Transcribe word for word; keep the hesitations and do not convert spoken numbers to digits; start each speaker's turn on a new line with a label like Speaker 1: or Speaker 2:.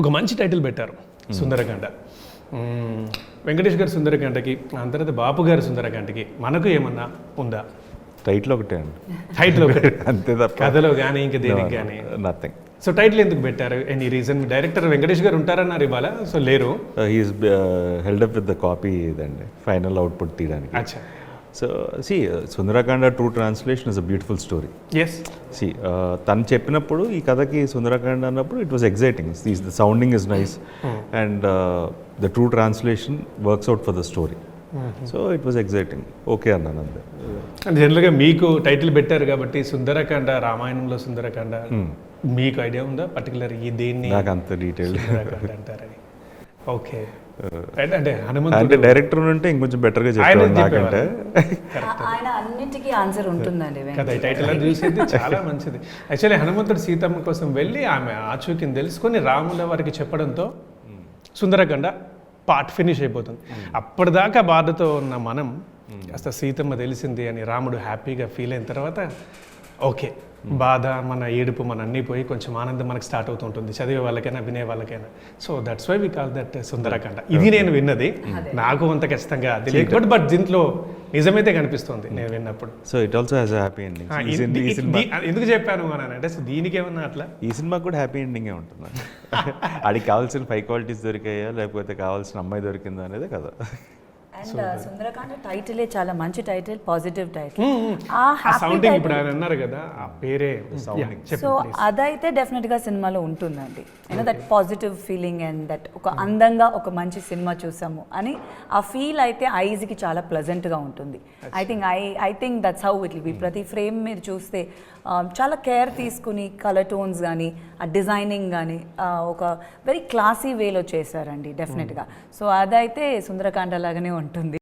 Speaker 1: ఒక మంచి టైటిల్ పెట్టారు సుందరకాండ. వెంకటేష్ గారి సుందరకాండకి ఆ తర్వాత బాపు గారి సుందరకాండకి మనకు ఏమన్నా ఉందా?
Speaker 2: టైటిల్ ఒకటే అండి,
Speaker 1: టైటిల్ ఒకటి
Speaker 2: అంతే తప్ప
Speaker 1: కథలో కానీ ఇంకా దేనికి కానీ
Speaker 2: నథింగ్.
Speaker 1: సో టైటిల్ ఎందుకు పెట్టారు? Any reason? డైరెక్టర్ వెంకటేష్ గారు ఉంటారన్నారు ఇవాళ, సో లేరు.
Speaker 2: He is held up with the copy ఇదండి ఫైనల్ అవుట్పుట్ తీయడానికి.
Speaker 1: అచ్చా.
Speaker 2: So see Sundarakanda true translation is a beautiful story.
Speaker 1: Yes.
Speaker 2: See తను చెప్పినప్పుడు ఈ కథకి సుందరకాండ అన్నప్పుడు it was exciting. The sounding is nice and the true translation works out for the story. So it was exciting. Okay అన్నాను అంతే.
Speaker 1: జనరల్గా మీకు title పెట్టారు కాబట్టి సుందరకాండ, రామాయణంలో సుందరకాండ, మీకు ఐడియా ఉందా పర్టికులర్ ఈ దేన్ని
Speaker 2: నాకు అంత డీటెయిల్
Speaker 1: సుందరకాండ అంటారని? ఓకే. అంటే
Speaker 2: అంటే
Speaker 1: హనుమంతుడు
Speaker 2: డైరెక్టర్ ఉంటే ఇంకొంచెం బెటర్గా చెప్పారు నాకంటే.
Speaker 3: ఆయన అన్నిటికీ ఆన్సర్ ఉంటుందండి
Speaker 1: కదా ఈ టైటిల్ అని చూసేది చాలా మంచిది. యాక్చువల్లీ హనుమంతుడు సీతమ్మ కోసం వెళ్ళి ఆమె ఆచూకీని తెలుసుకొని రాముల వారికి చెప్పడంతో సుందరకాండ పార్ట్ ఫినిష్ అయిపోతుంది. అప్పటిదాకా బాధతో ఉన్న మనం కాస్త సీతమ్మ తెలిసింది అని రాముడు హ్యాపీగా ఫీల్ అయిన తర్వాత ఓకే, బాధ మన ఏడుపు మన అన్నీ పోయి కొంచెం ఆనందం మనకు స్టార్ట్ అవుతూ ఉంటుంది, చదివే వాళ్ళకైనా వినే వాళ్ళకైనా. So that's why we call that Sundarakanda. ఇది నేను విన్నది, నాకు అంత ఖచ్చితంగా తెలియదు, బట్ బట్ దీంట్లో నిజమైతే కనిపిస్తుంది నేను విన్నప్పుడు.
Speaker 2: So it also has a happy ending.
Speaker 1: ఎందుకు చెప్పాను అని అంటే సో దీనికి ఏమన్నా అట్లా
Speaker 2: ఈ సినిమాకి కూడా హ్యాపీ ఎండింగే ఉంటుంది. అడికి కావాల్సిన ఫైవ్ క్వాలిటీస్ దొరికాయా లేకపోతే కావాల్సిన అమ్మాయి దొరికిందా అనేది కదా.
Speaker 3: అండ్ సుందరకాండ టైటిలే చాలా మంచి టైటిల్, పాజిటివ్ టైటిల్.
Speaker 1: సౌండింగ్ ఇప్పుడు ఆయన అన్నారు కదా ఆ పేరే సౌండింగ్.
Speaker 3: సో అదైతే డెఫినెట్ గా సినిమాలో ఉంటుందండి. You know that positive feeling and that ఒక అందంగా ఒక మంచి సినిమా చూసాము అని ఆ ఫీల్ అయితే ఐజ్ కి చాలా ప్లెజెంట్ గా ఉంటుంది. I think I I think that's how it will be. ప్రతి ఫ్రేమ్ మీరు చూస్తే చాలా కేర్ తీసుకుని కలర్ టోన్స్ కానీ ఆ డిజైనింగ్ కానీ ఒక వెరీ క్లాసీ వేలో చేశారండి డెఫినెట్గా. సో అదైతే సుందరకాండ లాగానే ఉంటుంది.